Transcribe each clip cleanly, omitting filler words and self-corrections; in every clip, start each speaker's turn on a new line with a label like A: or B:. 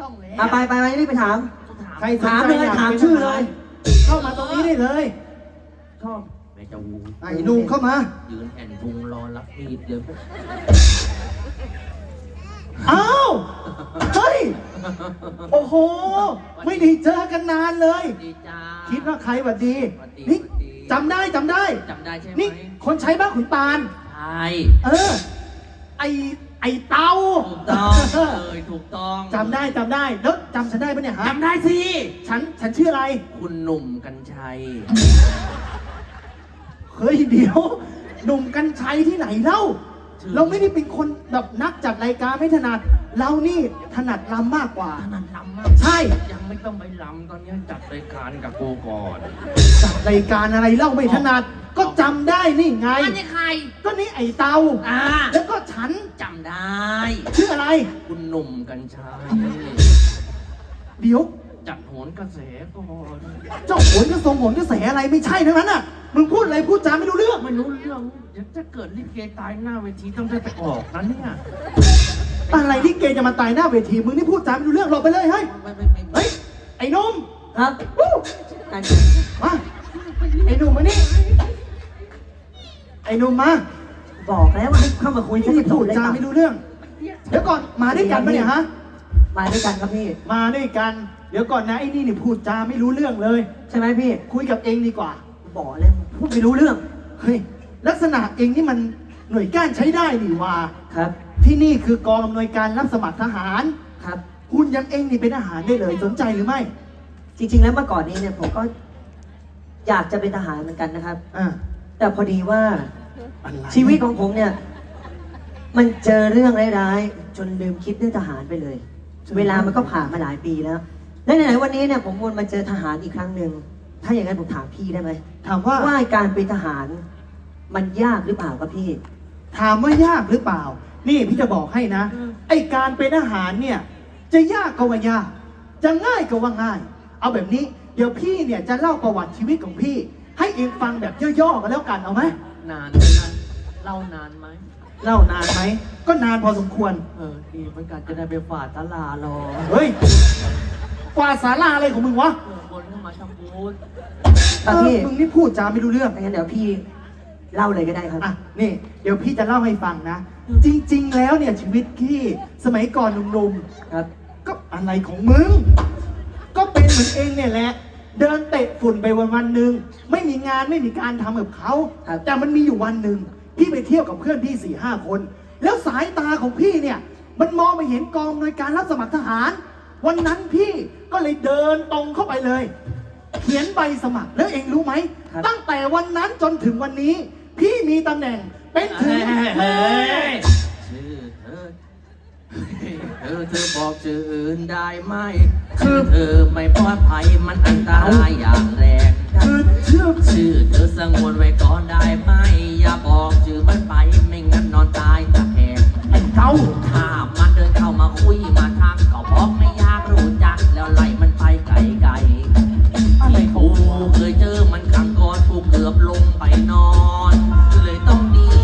A: ต้องแล้ว
B: ไปรีบไปถาม
C: ใครสน
B: ถาม
C: ใจ
B: เลยถามชื่อเลย
C: เข้ามาตรงนี้ได้เลย
A: ชอบแม่จะวู
C: ไอ้หนุ่มเข้ามา
A: ยืนแอนพุงรอรับมีดเลย
C: อ้าวเฮ้ยโอ้โหไม่ได้เจอกันนานเลย
A: ดีจ้า
C: คิดว่าใครหวัดดี
A: หวัดดี
C: นี่
A: หวัดดี
C: จำได้
A: จำได้ใช่ไหม
C: นี่คนใช้บ้านขุนตาล
A: ใช่
C: ไอเตา
A: ถูกต้องเลยถูกต้อง
C: จำได้แล้วจำฉันได้ปะเนี่ยฮะ
A: จำได้สิ
C: ฉันชื่ออะไร
A: คุณหนุ่มกัญชัย
C: เฮ้ยเดี๋ยว หนุ่มกัญชัยที่ไหนเล่า เราไม่ได้เป็นคนแบบนักจัดรายการไม่ถนัด เรานี่ถนัดรำมากกว่า
A: ถนัดลำมาก
C: ใช่
A: ยังไม่ต้องไปลำตอนนี้จัดรายการกับกูก่อน
C: จัดรายการอะไรเล่าไม่ถนัด ก็จำได้นี่ไง
A: อันนี้ใคร
C: ก็นี่ไอเตา แล้วก็ฉัน
A: จำได้
C: ชื่ออะไร
A: คุณหนุ่มกัญชัย
C: เดี๋ยว
A: จัดโหนกระแสก่อน
C: เจ้าโหนกระทรงโหนกระแสอะไรไม่ใช่ทั้งนั้นน่ะ มึงพูดอะไรพูดจาไม่รู้เรื่อง
A: ไม่รู้เรื่องเดี๋ยวจะเกิดลิเกตายหน้าเวทีต้องได้ไปออกนะเนี่ย
C: อะไรที่เกจะมาตายหน้าเวที มึงนี่พูดจาไม่รู้เรื่องหลบไปเลยเฮ้ย
A: ไม่
C: เฮ้ย ไอ้หนุ่ม
B: ครับ
C: วู้
B: นั่น
C: มาไอ้หนุ่มมานี่ไอ้หนุ่มมา
B: บอกแล้วว่าให้เข้ามาคุย
C: ที่
B: จะ
C: พูด
B: เลย
C: จาไม่รู้เรื่อง เดี๋ยวก่อนมาด้วยกันปะเนี่ยฮะ
B: มาด้วยกันครับพี่
C: มาด้วยกัน เดี๋ยวก่อนนะไอ้นี่พูดจาไม่รู้เรื่องเลย
B: ใช่ไหมพี่
C: คุยกับเองดีกว่า
B: บอกเลยพูดไม่รู้เรื่อง
C: เฮ้ย ลักษณะเองนี่มันหน่วยก้านใช้ได้นี่ว่า
B: ครับ
C: ที่นี่คือกองอำนวยการรับสมัครทหาร
B: ครับ
C: คุณยังเองนี่เป็นทหารได้เลยสนใจหรือไม่
B: จริงๆแล้วเมื่อก่อนนี้เนี่ยผมก็อยากจะเป็นทหารเหมือนกันนะครับ
C: อ่า
B: แต่พอดีว่า
C: อะไร
B: ชีวิตของผมเนี่ย มันเจอเรื่องร้ายๆจนลืมคิดเรื่องทหารไปเลย เวลามันก็ผ่านมาหลายปีแล้ว และไหนๆวันนี้เนี่ยผมวนมาเจอทหารอีกครั้งหนึ่งถ้าอย่างนั้นผมถามพี่ได้ไหม
C: ถามว่า
B: ว่าการเป็นทหาร มันยากหรือเปล่าครับพี่
C: ถามว่ายากหรือเปล่า นี่พี่จะบอกให้นะ ไอการเป็นทหารเนี่ย จะยากก็ว่ายาก จะง่ายก็ว่าง่าย เอาแบบนี้ เดี๋ยวพี่เนี่ยจะเล่าประวัติชีวิตของพี่ ให้เองฟังแบบย่อๆกันแล้วกันเอาไหม
A: นานไหมนะเล่านานไหม
C: เล่านานไหม ก็นานพอสมควร
A: ดีเหมือนกันจะได้ไปฝาดตลารอ
C: เฮ้ย กว่าศาลาอะไรของมึงวะ
A: คนเข้ามาทำบุญ
B: ครับพี่
C: มึงนี่พูดจาไม่รู้เรื่อง
B: งั้นเดี๋ยวพี่เล่าเลยก็ได้ครับ
C: อ่ะ นี่ เดี๋ยวพี่จะเล่าให้ฟังนะ จริง ๆ แล้วเนี่ยชีวิตพี่สมัยก่อนหนุ่ม
B: ครับ
C: ๆ ก็อะไรของมึง ก็เป็นเหมือนเองเนี่ยแหละ เดินเตะฝุ่นไปวันๆหนึ่งไม่มีงานไม่มีการทำกับเขา
B: ครับ
C: แต่มันมีอยู่วันหนึ่งพี่ไปเที่ยวกับเพื่อนพี่4-5 คน แล้วสายตาของพี่เนี่ย มันมองไปเห็นกองหน่วยการรับสมัครทหาร วันนั้นพี่ก็เลยเดินตรงเข้าไปเลย เขียนใบสมัครแล้วเองรู้ไหม
B: ครับ
C: ตั้งแต่วันนั้นจนถึงวันนี้ พี่มีตำแหน่งเป็นถึง
A: ชื่อเธอบอกชื่ออื่นได้ไหมคือเธอไม่ปลอดภัยมันอันตรายอย่างแรง
C: คือชื่อ
A: ชื่อเธอสงวนไว้ก่อนได้ไหมอย่าบอกชื่อมันไปไม่งั้นนอนตายตะแคง
C: ไอ้เต้า
A: ถ้ามันเดินเข้ามาคุยมาทักก็บอกไม่อยากรู้จักแล้วไล่มันไปไกลๆที่กูเคยเจอมันครั้งก่อนกูเกือบลงไปนอนเลยต้องหนี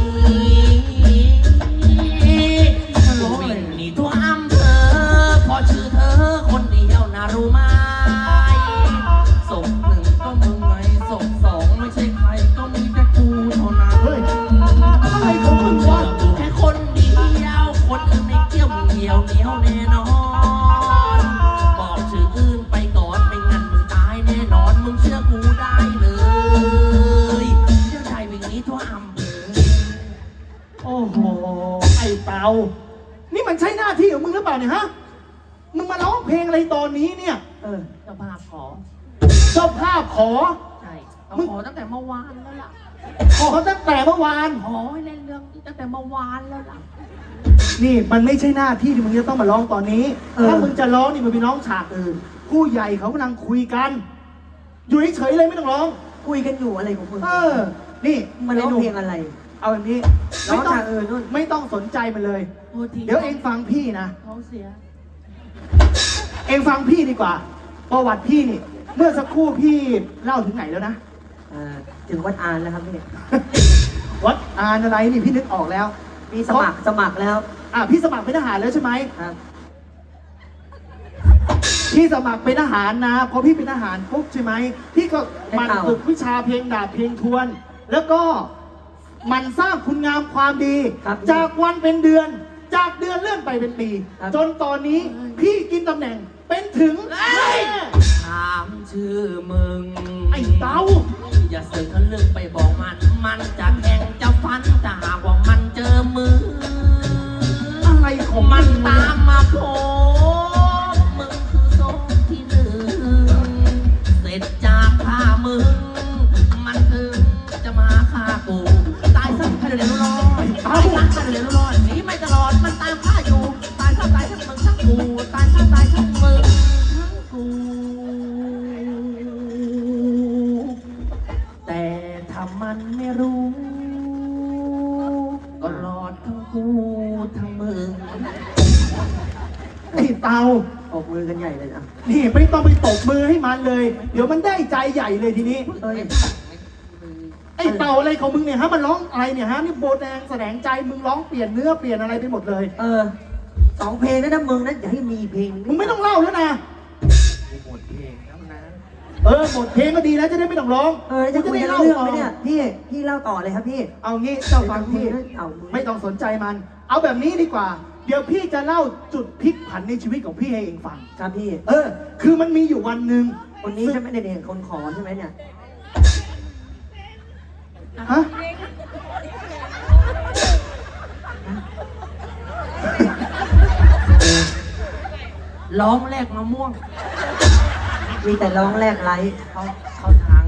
A: วิ่งหนีทั่วอำเภอเพราะชื่อเธอคนเดียวนะรู้ไหมศพหนึ่งก็มึงไงศพสองไม่ใช่ใครก็มีแต่กูเท่านั้น
C: เฮ้ย อะไรของมึงวะ
A: กูแค่คนเดียวคนอื่นไม่เกี่ยวมึงเหี่ยวเหนียวแน่นอนบอกชื่ออื่นไปก่อนไม่งั้นมึงตายแน่นอนมึงเชื่อกูได้เลยเชื่อได้วิ่งหนี้ทั่วอำเภอ
C: โอ้โห ไอ้เตา นี่มันใช่หน้าที่ของมึงหรือเปล่าเนี่ยฮะ มึงมาร้องเพลงอะไรตอนนี้เนี่ย
B: เออ
A: เจ้าภาพขอ
C: เจ้าภาพขอ
A: ใช่เขาขอตั้งแต่เมื่อวานแล้วล่ะ
C: ขอตั้งแต่เมื่อวาน
A: ขอให้เล่นเรื่องนี้ตั้งแต่เมื่อวานแล้วล่ะ
C: นี่มันไม่ใช่หน้าที่ที่มึงจะต้องมาร้องตอนนี้
B: เออ
C: ถ้ามึงจะร้องนี่มึงไปร้องฉากอื่น ผู้ใหญ่เขากำลังคุยกัน อยู่เฉยๆเลยไม่ต้องร้อง
B: คุยกันอยู่อะไรของคุณ
C: เออ นี่
B: มันร้องเพลงอะไร
C: เอาแบบนี้
B: ร้อง
C: ไม่ต้อง
B: ฉากอื่นนู่น
C: ไม่ต้องสนใจมันเลย
A: โทษที
C: เดี๋ยวเองฟังพี่นะ
A: เขาเสีย
C: เองฟังพี่ดีกว่า ประวัติพี่นี่ เมื่อสักครู่พี่เล่าถึงไหนแล้วนะ
B: ถึงวัดอานแล้วครับพี่
C: วัดอานอะไรนี่พี่นึกออกแล้ว
B: มีสมัครแล้ว
C: พี่สมัครเป็นทหารแล้วใช่ไหม
B: ครับ
C: พี่สมัครเป็นทหารนะพอพี่เป็นทหารปุ๊บใช่ไหมพี่ก็หมันฝึกวิชาเพลงดาบเพลงทวน แล้วก็หมันสร้างคุณงามความดี
B: ครับ
C: จากวันเป็นเดือน จากเดือนเลื่อนไปเป็นปี
B: ครับ
C: จนตอนนี้พี่กินตำแหน่งเป็นถึงแม่
A: ถามชื่อมึง
C: ไอ้เต้า
A: อย่าเสือกทะลึ่งไปบอกมัน มันจะแข่งจะฟันจะหากว่ามันเจอมือ
C: อะไรของ
A: มั
C: มัน น
A: ตามมาโผล่มึงคือโซ่ที่หนึ่งเสร็จจากฆ่ามึง มันถึงจะมาฆ่ากู ตายซะให้เร็วๆร้อยตายซะให้เร็วๆร้อยหนีไม่ตลอดมันตามฆ่าอยู่ ตายซะตายทั้งมึงทั้งกู ตายซะตายทั้งมึงทั้งกู แต่ถ้ามันไม่รู้ ก็รอดทั้งกูทั้งมึง
C: ไอ้เต้า
B: ออกมือกันใหญ่เลยนะ
C: นี่ไม่ต้องไปตบมือให้มันเลย เดี๋ยวมันได้ใจใหญ่เลยทีนี้
B: เอ้ย
C: ไอ้เต่าอะไรของมึงเนี่ยฮะมันร้องอะไรเนี่ยฮะนี่โบแดงแสดงใจมึงร้องเปลี่ยนเนื้อเปลี่ยนอะไรไปหมดเลย
B: 2 เพลงนะมึงนะอย่าให้มีเพลง
C: มึงไม่ต้องเล่าแล้วนะ
A: หมดเพลงแล้วนะ
C: หมดเพลงก็ดีแล้วจะได้ไม่ต้องร้อง
B: จะ
C: กู
B: คุยกัน
C: เล่า
B: เรื่อง
C: ต่อ
B: ไหมเนี่ยพี่เล่าต่อเลยครับพี่
C: เอางี้เจ้าฟังพี่
B: เอามือ
C: ไม่ต้องสนใจมัน เอาแบบนี้ดีกว่า เดี๋ยวพี่จะเล่าจุดพลิกผันในชีวิตของพี่ให้เองฟัง
B: ครับพี่
C: คือมันมีอยู่วันหนึ่ง
B: คนนี้ใช่ไหมเด็กๆคนขอใช่ไหมเนี่ย
C: ฮะ
A: ร้องแรกมะม่วง
B: มีแต่ร้องแรกไลฟ์
A: เขาทาง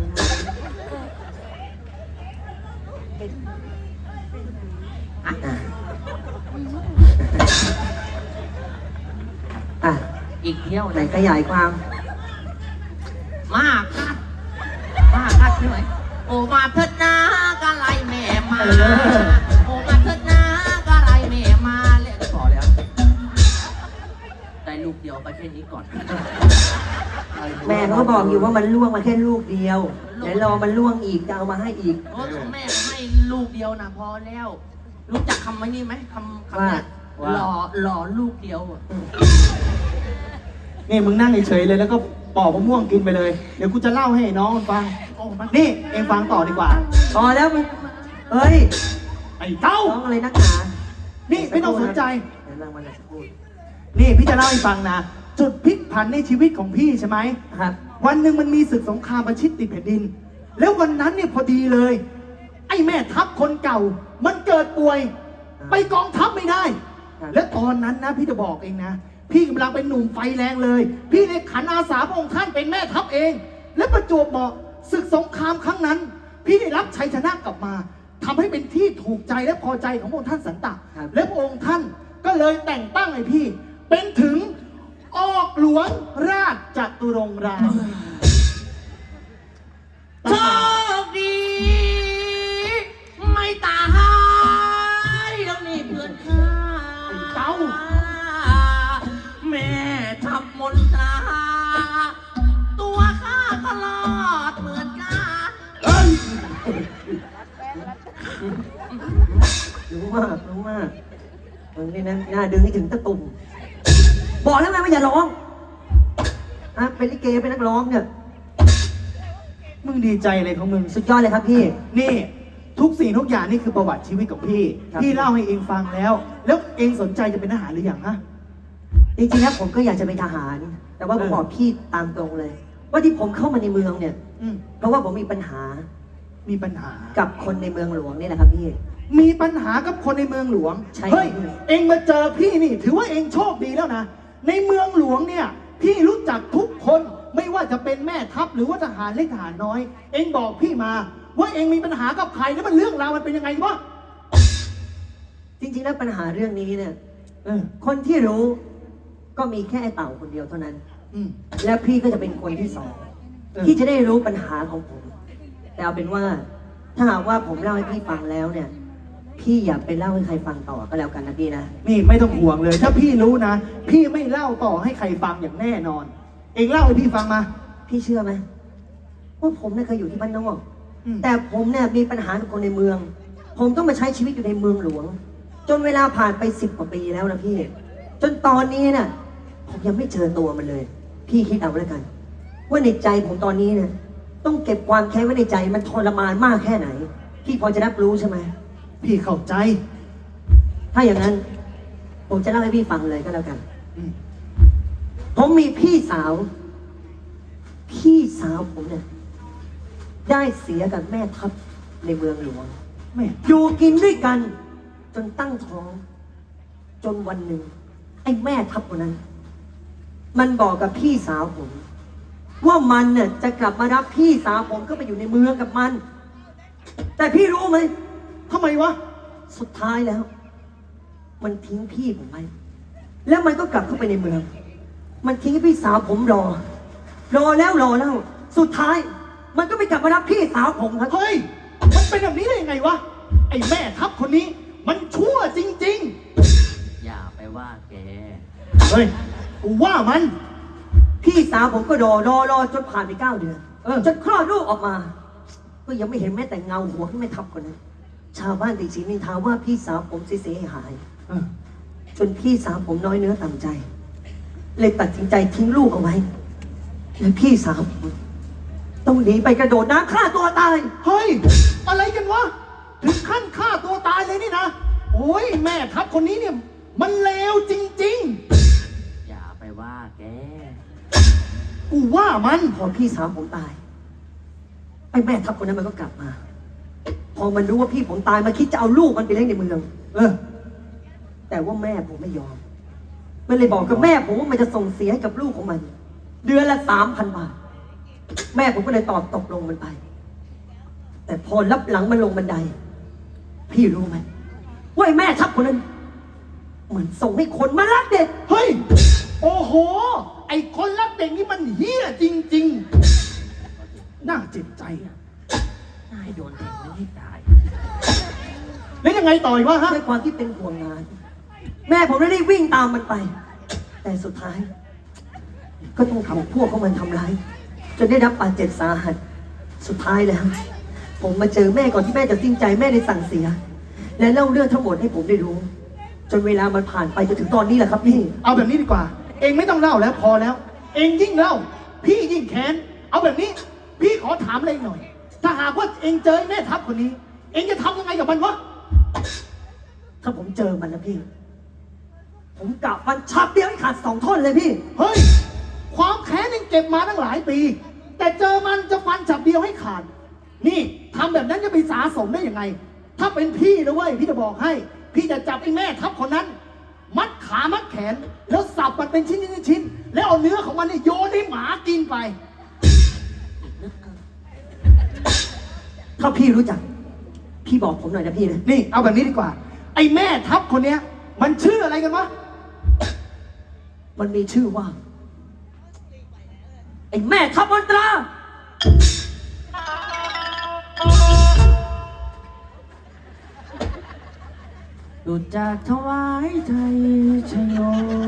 B: อ่ะ
A: อีกเที่ยว
B: ไหนขยายความ
A: มากัดใช่ไหมโอมาเถิดนะกะไรแม่มาโอมาเถิดนะกะไรแม่มาเรียกพอแล้ว ได้ลูกเดียวไปแค่นี้ก่อน
B: แม่เขาก็บอกอยู่ว่ามันล่วงมาแค่ลูกเดียวเดี๋ยวรอมันล่วงอีกจะเอามาให้อีก
A: โอ้ของแม่ให้ลูกเดียวนะพอแล้ว รู้จักคำว่านี่ไหมคำเนี้ย
B: ว่า
A: หล่อลูกเดียวอะ
C: นี่มึงนั่งเฉยๆเลยแล้วก็ปอกมะม่วงกินไปเลย เดี๋ยวกูจะเล่าให้น้องมันฟัง
A: โอ้มัน
C: นี่เองฟังต่อดีกว่า
B: พอแล้วมึงเฮ้ย
C: ไอ้เต้า
B: ร้องอะไรนักหนา
C: นี่ไม่ต้องสนใจ
B: เดี๋ยวรางวัลจะพูด
C: นี่พี่จะเล่าให้ฟังนะ จุดพลิกผันในชีวิตของพี่ใช่ไหม
B: ครับ
C: วันหนึ่งมันมีศึกสงครามประชิดติดแผ่นดิน แล้ววันนั้นเนี่ยพอดีเลย ไอ้แม่ทัพคนเก่า มันเกิดป่วย ไปกองทัพไม่ได้
B: ครับ
C: และตอนนั้นนะพี่จะบอกเองนะ พี่กำลังเป็นหนุ่มไฟแรงเลย พี่ในขันอาสาพระองค์ท่านเป็นแม่ทัพเอง และประจวบเหมาะศึกสงครามครั้งนั้น พี่ได้รับชัยชนะกลับมาทำให้เป็นที่ถูกใจและพอใจของพระองค์ท่านสันตะ
B: ครับ
C: และพระองค์ท่านก็เลยแต่งตั้งให้พี่ เป็นถึงออกหลวงราชจตุรงค์ราม
A: โชคดี ไม่ตายแล้วนี่เพื่อนข้า
C: เต้า
A: แม่ทับมนตราตัวข้าก็รอดเหมือนกัน
B: รู้มากมึงนี่นะน่าดึงให้ถึงตะตุ่มบอกแล้วไงว่าอย่าร้องเป็นลิเกเป็นนักร้องเนี่ย
C: มึงดีใจอะไรของมึง
B: สุดยอดเลยครับพี่
C: นี่ทุกสิ่งทุกอย่างนี่คือประวัติชีวิตของพี่
B: ครับ
C: พี่เล่าให้เองฟังแล้ว แล้วเองสนใจจะเป็นทหารหรือยังฮะ
B: จริงๆแล้วผมก็อยากจะเป็นทหาร แต่ว่าผมบอกพี่ตามตรงเลย ว่าที่ผมเข้ามาในเมืองเนี่ย
C: อืม
B: เพราะว่าผมมีปัญหา
C: มีปัญหา
B: กับคนในเมืองหลวงนี่แหละครับพี่
C: มีปัญหากับคนในเมืองหลวง
B: ใช่
C: เฮ้ย
B: ครับ
C: เองมาเจอพี่นี่ ถือว่าเองโชคดีแล้วนะ ในเมืองหลวงเนี่ย พี่รู้จักทุกคน ไม่ว่าจะเป็นแม่ทัพหรือว่าทหารเล็กทหารน้อย เองบอกพี่มา ว่าเองมีปัญหากับใครแล้วมันเรื่องราวมันเป็นยังไงวะ
B: จริงๆแล้วปัญหาเรื่องนี้เนี่ย
C: เออ
B: คนที่รู้ก็มีแค่ไอ้เต่าคนเดียวเท่านั้น
C: อืม
B: และพี่ก็จะเป็นคนที่สอง
C: เออ
B: ที่จะได้รู้ปัญหาของผม แต่เอาเป็นว่า ถ้าหากว่าผมเล่าให้พี่ฟังแล้วเนี่ย พี่อย่าไปเล่าให้ใครฟังต่อก็แล้วกันนะพี่นะ
C: นี่ไม่ต้องห่วงเลย ถ้าพี่รู้นะ พี่ไม่เล่าต่อให้ใครฟังอย่างแน่นอน เองเล่าให้พี่ฟังมา
B: พี่เชื่อไหมว่าผมเนี่ยเคยอยู่ที่บ้านนอก
C: อืม
B: แต่ผมเนี่ยมีปัญหากับคนในเมือง ผมต้องมาใช้ชีวิตอยู่ในเมืองหลวง จนเวลาผ่านไป10 กว่าปีแล้วนะพี่ จนตอนนี้เนี่ยผมยังไม่เจอตัวมันเลยพี่คิดเอาแล้วกัน ว่าในใจผมตอนนี้เนี่ยต้องเก็บความแค้นไว้ในใจมันทรมานมากแค่ไหน พี่พอจะรับรู้ใช่ไหม
C: พี่เข้าใจ
B: ถ้าอย่างนั้น ผมจะเล่าให้พี่ฟังเลยก็แล้วกัน
C: อืม
B: ผมมีพี่สาว พี่สาวผมเนี่ยได้เสียกับแม่ทัพในเมืองหลวง
C: แม่
B: อยู่กินด้วยกัน จนตั้งท้อง จนวันหนึ่งไอ้แม่ทัพคนนั้น มันบอกกับพี่สาวผม ว่ามันเนี่ยจะกลับมารับพี่สาวผมก็ไปอยู่ในเมืองกับมัน แต่พี่รู้ไหม
C: ทำไมวะ
B: สุดท้ายแล้ว มันทิ้งพี่ผมไปแล้วมันก็กลับเข้าไปในเมือง มันทิ้งให้พี่สาวผมรอแล้วรอแล้วสุดท้าย มันก็ไม่กลับมารับพี่สาวผมครับ
C: เฮ้ย มันเป็นแบบนี้ได้ยังไงวะ ไอ้แม่ทัพคนนี้ มันชั่วจริง
A: อย่าไปว่าแก
C: ๆ เฮ้ย กูว่ามัน
B: พี่สาวผมก็รอจนผ่านไป9 เดือน จนคลอดลูกออกมา ก็ยังไม่เห็นแม้แต่เงาหัวที่ไม่ทับคนนั้นชาวบ้านติดชินนินทาว่าพี่สาวผมเสียหาย
C: เออ
B: จนพี่สาวผมน้อยเนื้อต่ำใจ เลยตัดสินใจทิ้งลูกเอาไว้และพี่สาวผมต้องหนีไปกระโดดน้ำฆ่าตัวตาย
C: เฮ้ย อะไรกันวะ ถึงขั้นฆ่าตัวตายเลยนี่นะ โอ้ยแม่ทัพคนนี้เนี่ย มันเลวจริง
A: อย่าไปว่าแก
C: ๆ กูว่ามัน
B: พอพี่สาวผมตายไอ้แม่ทัพคนนั้นมันก็กลับมา พอมันรู้ว่าพี่ผมตายมันคิดจะเอาลูกมันไปเลี้ยงในเมือง
C: เออ
B: แต่ว่าแม่ผมไม่ยอม มันเลยบอกกับแม่ผมว่ามันจะส่งเสียให้กับลูกของมัน เดือนละ 3,000 บาท แม่ผมก็เลยตอบตกลงมันไป แต่พอรับหลังมันลงบันได พี่รู้ไหมว่าไอ้แม่ทัพคนนั้นเหมือนส่งให้คนมารักเด็ก
C: เฮ้ย โอ้โห ไอ้คนรักเด็กนี่มันเฮี้ยจริง ๆ น่าเจ็บใจอะ
A: นายโดนเด็กไม่ให้ตาย
C: แล้วยังไงต่ออีกวะฮะ
B: ด้วยความที่เป็นห่วงงาน แม่ผมได้รีบวิ่งตามมันไป แต่สุดท้าย ก็ต้องถูกพวกของมันทำร้าย จนได้รับบาดเจ็บสาหัส สุดท้ายแล้ว ผมมาเจอแม่ก่อนที่แม่จะสิ้นใจแม่ได้สั่งเสีย และเล่าเรื่องทั้งหมดให้ผมได้รู้ จนเวลามันผ่านไปจนถึงตอนนี้แหละครับพี่
C: เอาแบบนี้ดีกว่า เองไม่ต้องเล่าแล้วพอแล้ว เองยิ่งเล่า พี่ยิ่งแค้น เอาแบบนี้ พี่ขอถามอะไรหน่อย ถ้าหากว่าเองเจอแม่ทัพคนนี้ เองจะทำยังไงกับมันวะ
B: ถ้าผมเจอมันนะพี่ ผมกะฟันชับเดียวให้ขาด2 ท่อนเลยพี่
C: เฮ้ย ความแค้นเองเก็บมาตั้งหลายปี แต่เจอมันจะฟันฉับเดียวให้ขาด นี่ทำแบบนั้นจะไปสาสมได้ยังไง ถ้าเป็นพี่นะเว้ยพี่จะบอกให้ พี่จะจับไอ้แม่ทัพคนนั้น มัดขามัดแขน แล้วสับมันเป็นชิ้นๆแล้วเอาเนื้อของมันเนี่ยโยนให้หมากินไป
B: ถ้าพี่รู้จัก พี่บอกผมหน่อยนะพี่นะ
C: นี่เอาแบบนี้ดีกว่า ไอ้แม่ทัพคนเนี้ย มันชื่ออะไรกันวะ
B: มันมีชื่อว่า ไอ้แม่ทัพมนตรา
A: ดูจากถวายไทยชโย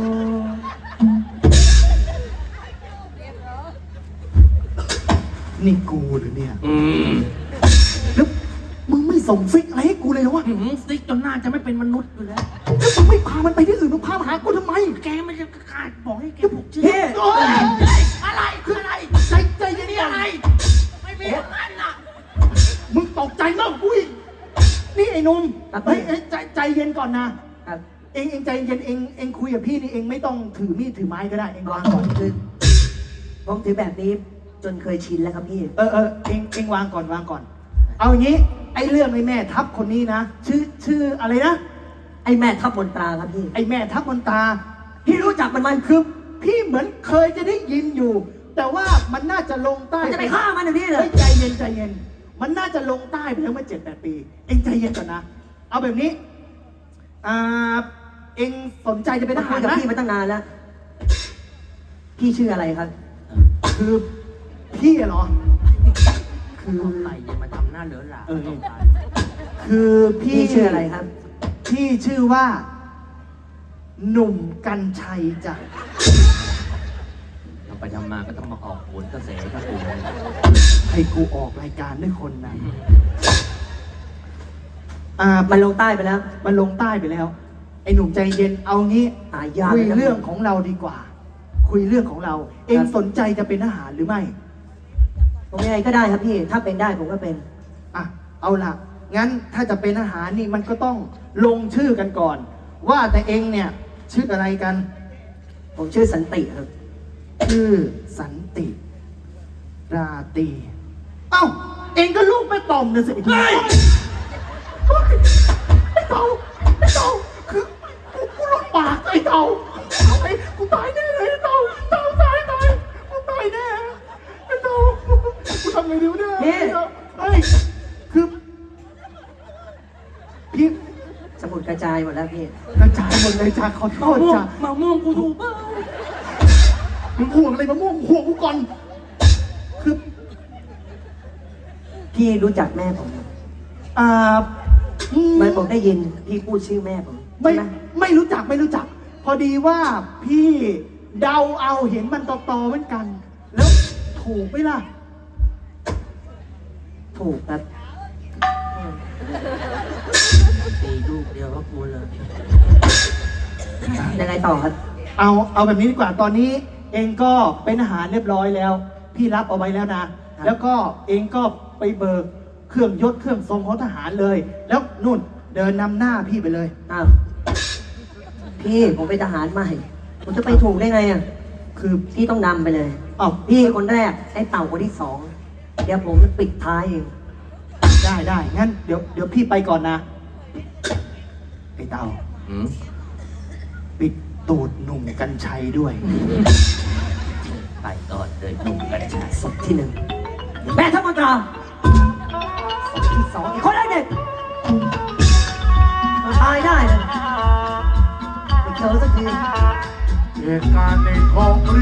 C: นี่กูหรือเนี่ย
A: อืม
C: แล้วมึงไม่ส่งซิกอะไรให้กูเลยเหรอวะ
A: ซิกจนหน้าจะไม่เป็นมนุษย์อยู่แล้ว
C: แล้วมึงไม่พามันไปที่อื่นมึงพามาหากูทำไม
A: แกไม่จะขาดบอกให้แกผูกชื่อ
B: เฮ้
C: โอ๊ย
A: อะไรคืออะไร
C: ใจเย็น
A: นี่
C: ๆ
A: อะไร ไม่มีอย่างนั้นน่ะ
C: มึงตกใจมากกูอีกนี่ไอ้หนุ่มเฮ้ยใจเย็นก่อนนะ
B: ครับ
C: เองใจเย็นเองคุยกับพี่นี่เองไม่ต้องถือมีดถือไม้ก็ได้เองวางก่อน
B: คือผมถือแบบนี้จนเคยชินแล้วครับพี่
C: เองวางก่อนวางก่อน เอาอย่างนี้ไอ้เรื่องไอ้แม่ทัพคนนี้นะชื่ออะไรนะ
B: ไอ้แม่ทัพมนตราครับพี่
C: ไอ้แม่ทัพมนตา
B: พี่รู้จักมันไหม
C: คือพี่เหมือนเคยจะได้ยินอยู่ แต่ว่ามันน่าจะลงใต้
B: มันจะไปฆ่ามันเดี๋ยวนี้เล
C: เฮ้
B: ย
C: ยใจเย็นมันน่าจะลงใต้ไปแล้วเมื่อ7-8 ปี เองใจเย็นก่อนนะ เอาแบบนี้เองสนใจจะเป็นท
B: มา
C: หา
B: คุ
C: ร
B: ยกับ
C: ไหม
B: พี่มาตั้งนานแล้ว พี่ชื่ออะไรครับ
C: คือพี่อะเหรอ คือ
A: อะไรอย่ามาทำหน้าเหลือหลา
C: คือพี่
B: พี่ชื่ออะไรครับ
C: พี่ชื่อว่า หนุ่มกัญชัยจ้ะ
A: ทำไปทำมาก็ต้องมาออกโหนกระแสกระตูน
C: ให้กูออกรายการด้วยคนนะ
B: มันลงใต้ไปแล้ว
C: มันลงใต้ไปแล้ว ไอ้หนุ่มใจเย็นเอางี้
B: หายาก
C: คุย
B: เลยนะ
C: เรื่องของเราดีกว่าคุยเรื่องของเรา เองสนใจจะเป็นทหารหรือไม่
B: ผมยังไงก็ได้ครับพี่ ถ้าเป็นได้ผมก็เป็น
C: อ่ะ เอาล่ะ งั้นถ้าจะเป็นทหารนี่มันก็ต้องลงชื่อกันก่อน ว่าแต่เองเนี่ยชื่ออะไรกัน
B: ผมชื่อสันติครับ
C: ชื่อสันติ ราตรีเอ้า เองก็ลูกแม่ต่อมนะสิไอ้เต่าไอ้เต่าคือกูหลุดปากไอ้เต่าไอ้กูตายแน่เลยไอ้เต่าตายกูตายแน่ไอ้เต่ากูทำไงดีวะเนี่ย
B: นี่
C: เฮ้ยคือพี่
B: สมุดกระจายหมดแล้วพี่
C: กระจายหมดเลยจ้าขอโทษจ้า
A: มาม่วงกูถูกเปล่า
C: มึงห่วงอะไรมะม่วงห่วงกูก่อนคือ
B: พี่รู้จักแม่ผม
C: อ่า
B: เหมื่อนผมได้ยินพี่พูดชื่อแม่ผม
C: ไม่
B: ใช่ไหม
C: ไม่รู้จักไม่รู้จัก พอดีว่าพี่เดาเอาเห็นมันตอๆเหมือนกัน แล้วถูกไหมล่ะ
B: ถูกครับ
A: ตีลูกเดียวก็กูเลย
B: ยังไงต่อครับ
C: เอาแบบนี้ดีกว่าตอนนี้เองก็เป็นอาหารเรียบร้อยแล้ว พี่รับเอาไว้แล้วนะ
B: ครับ
C: แล้วก็เองก็ไปเบิกเครื่องยศเครื่องทรงของทหารเลย แล้วนู่นเดินนำหน้าพี่ไปเลย
B: อ้าวพี่ผมเป็นทหารใหม่ ผมจะไปถูกได้ไงอ่ะ
C: คือ
B: พี่ต้องนำไปเลย
C: อ้าว
B: พี่คนแรกไอ้เต่าคนที่สองเดี๋ยวผมปิดท้ายเอง
C: ได้งั้นเดี๋ยวพี่ไปก่อนนะไอ้เต่า
A: อืม
C: ปิดตูดหนุ่มกัญชัยด้วย
A: ไปก่อนเลยนุ่มกันชาย
B: ศพที่หนึ่งแม่ทัพมนตราศพที่สองอีกคนแรกเด็กตายได้เลยไปเจอสักที
D: เหตุการณ์ในท้อง